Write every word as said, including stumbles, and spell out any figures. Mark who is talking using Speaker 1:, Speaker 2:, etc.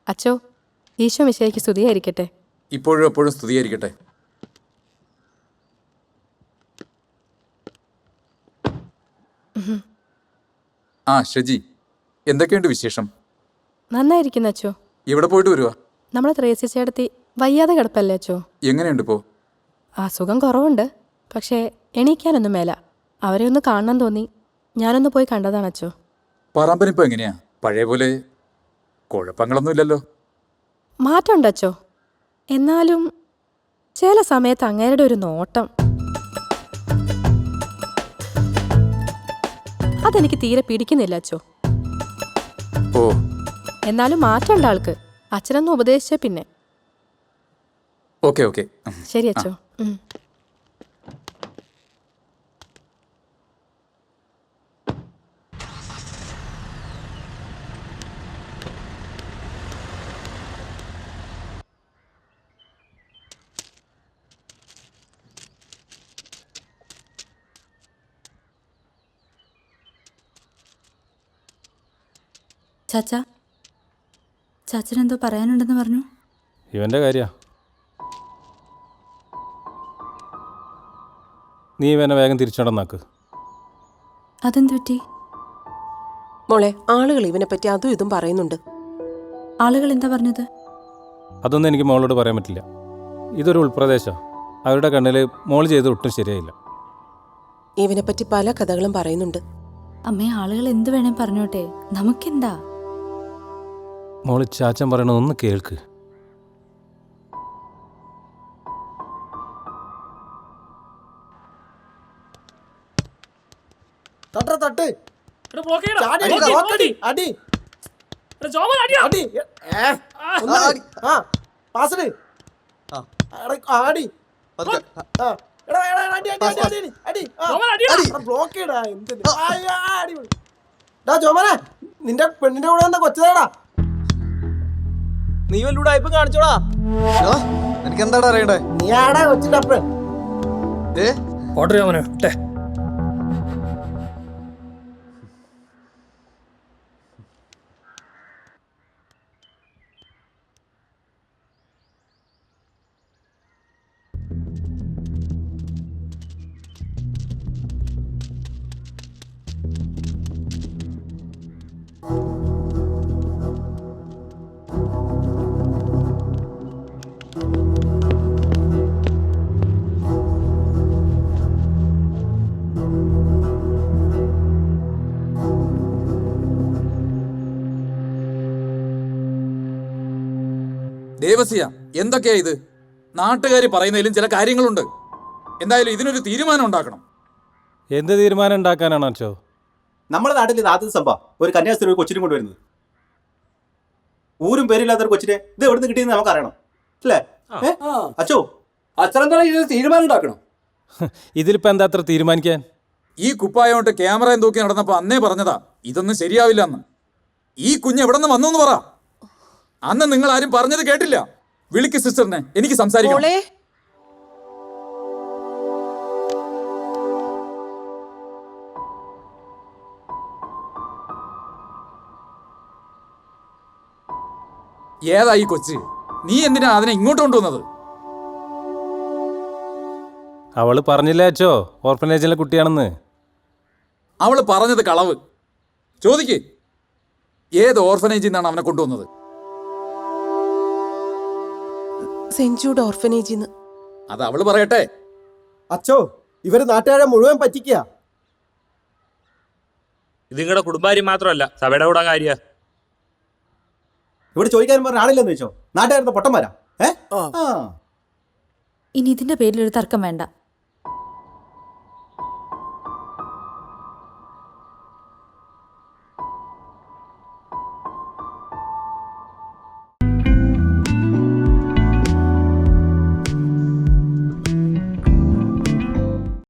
Speaker 1: അച്ചോ, ഈശോ മിശിഹായ്ക്ക് സ്തുതിയായിരിക്കട്ടെ.
Speaker 2: ഇപ്പോഴും എപ്പോഴും സ്തുതിയായിരിക്കട്ടെ. ആ ഷജി, എന്തൊക്കെയുണ്ട് വിശേഷം?
Speaker 1: നന്നായിരിക്കുന്നു അച്ചോ.
Speaker 2: എവിടെ പോയിട്ട് വരുവാ?
Speaker 1: നമ്മളെ ത്രേസ്യ ചേട്ടത്തി വയ്യാതെ കിടപ്പല്ലേ അച്ചോ.
Speaker 2: എങ്ങനെയുണ്ട് ഇപ്പോ?
Speaker 1: അസുഖം കുറവുണ്ട്, പക്ഷേ എണീക്കാനൊന്നും മേല. അവരെ ഒന്ന് കാണണം തോന്നി, ഞാനൊന്ന് പോയി കണ്ടതാണ് അച്ചോ.
Speaker 2: പറമ്പനിപ്പോ എങ്ങനെയാ? പഴയ പോലെ കുഴപ്പങ്ങളൊന്നും ഇല്ലല്ലോ?
Speaker 1: മാറ്റമുണ്ട് അച്ചോ. എന്നാലും ചില സമയത്ത് അങ്ങേരുടെ ഒരു നോട്ടം അതെനിക്ക് തീരെ പിടിക്കുന്നില്ല അച്ചോ.
Speaker 2: ഓ,
Speaker 1: എന്നാലും മാറ്റമുണ്ട് ആൾക്ക്. അച്ഛനൊന്ന് ഉപദേശിച്ച പിന്നെ.
Speaker 2: ഓക്കെ ഓക്കെ
Speaker 1: ശരി അച്ചോ. ഉം.
Speaker 3: ചാച്ച ചാച്ചനെന്തോ പറയാനുണ്ടെന്ന് പറഞ്ഞു.
Speaker 4: ഇവൻ്റെ കാര്യ നീ ഇവനെ വേഗം തിരിച്ചടന്നാക്ക്.
Speaker 3: അതെന്ത് പറ്റി
Speaker 5: മോളെ? ആളുകൾ ഇവനെ പറ്റി അതും ഇതും പറയുന്നുണ്ട്.
Speaker 3: ആളുകൾ എന്താ പറഞ്ഞത്?
Speaker 4: അതൊന്നും എനിക്ക് മോളോട് പറയാൻ പറ്റില്ല. ഇതൊരു ഉൾപ്രദേശമാണ്. അവരുടെ കണ്ണിൽ മോൾ ചെയ്ത് ഒട്ടും ശരിയായില്ല.
Speaker 5: ഇവനെ പറ്റി പല കഥകളും പറയുന്നുണ്ട്.
Speaker 3: അമ്മേ, ആളുകൾ എന്ത് വേണേ പറഞ്ഞോട്ടെ, നമുക്കെന്താ?
Speaker 4: മോള് ചാച്ചൻ പറയണതൊന്ന് കേൾക്ക്.
Speaker 6: നിന്റെ പെണ്ണിന്റെ കൂടെ എന്താ കൊച്ചതാടാ?
Speaker 7: നീ വല്ലൂടെ ഇപ്പൊ കാണിച്ചോടാ.
Speaker 6: എനിക്ക് എന്താടാ അറിയണ്ടേ? നീ ആടാ കൊച്ചിന്റെ അപ്പൻ.
Speaker 2: ദേവസ്യ, എന്തൊക്കെയാ ഇത്? നാട്ടുകാർ പറയുന്നതിലും ചില കാര്യങ്ങളുണ്ട്. എന്തായാലും ഇതിനൊരു തീരുമാനം ഉണ്ടാക്കണം.
Speaker 4: എന്ത് തീരുമാനം ഉണ്ടാക്കാനാണ് അച്ഛോ?
Speaker 7: നമ്മുടെ നാട്ടിൽ ഇത് ആദ്യത്തെ സംഭവം ഒരു കന്യാസ്ത്രീ ഒരു കൊച്ചിനും കൊണ്ടുവരുന്നത്. ഊരും പേരില്ലാത്തൊരു കൊച്ചിനെ ഇത് എവിടുന്ന് കിട്ടിയെന്ന് നമുക്ക് അറിയണം അല്ലേ അച്ചോ?
Speaker 6: അച്ഛനെന്താ ഇത് തീരുമാനം ഉണ്ടാക്കണം?
Speaker 4: ഇതിലിപ്പോൾ എന്താ അത്ര തീരുമാനിക്കാൻ?
Speaker 2: ഈ കുപ്പായോട്ട് ക്യാമറയും തൂക്കി നടന്നപ്പോൾ അന്നേ പറഞ്ഞതാ ഇതൊന്നും ശരിയാവില്ല എന്ന്. ഈ കുഞ്ഞ് എവിടെ നിന്ന് വന്നു എന്ന് പറ. അന്ന് നിങ്ങൾ ആരും പറഞ്ഞത് കേട്ടില്ല. വിളിക്ക് സിസ്റ്ററിനെ, എനിക്ക് സംസാരിക്കണം. ഏതാ ഈ കൊച്ച്? നീ എന്തിനാ അതിനെ ഇങ്ങോട്ട് കൊണ്ടുവന്നത്?
Speaker 4: അവള് പറഞ്ഞില്ലേ അച്ഛോ ഓർഫനേജിലെ കുട്ടിയാണെന്ന്?
Speaker 2: അവള് പറഞ്ഞത് കളവ്. ചോദിക്ക്, ഏത് ഓർഫനേജിൽ നിന്നാണ് അവനെ കൊണ്ടുവന്നത്?
Speaker 5: സെന്റ് ജൂഡ് ഓർഫനേജിന്ന്.
Speaker 2: അത് അവള് പറയട്ടെ.
Speaker 6: അച്ചോ, ഇവര് നാട്ടുകാരെ മുഴുവൻ പറ്റിക്കുക.
Speaker 8: ഇത് നിങ്ങളുടെ കുടുംബാര്യം മാത്രമല്ല, സഭയുടെ കൂടെ കാര്യ.
Speaker 7: ഇവിടെ ചോദിക്കാനും പറഞ്ഞ ആളില്ലെന്ന് വെച്ചോ? നാട്ടുകാരുടെ പൊട്ടന്മാരാ. ഏ
Speaker 3: ഇനി ഇതിന്റെ പേരിലൊരു തർക്കം വേണ്ട.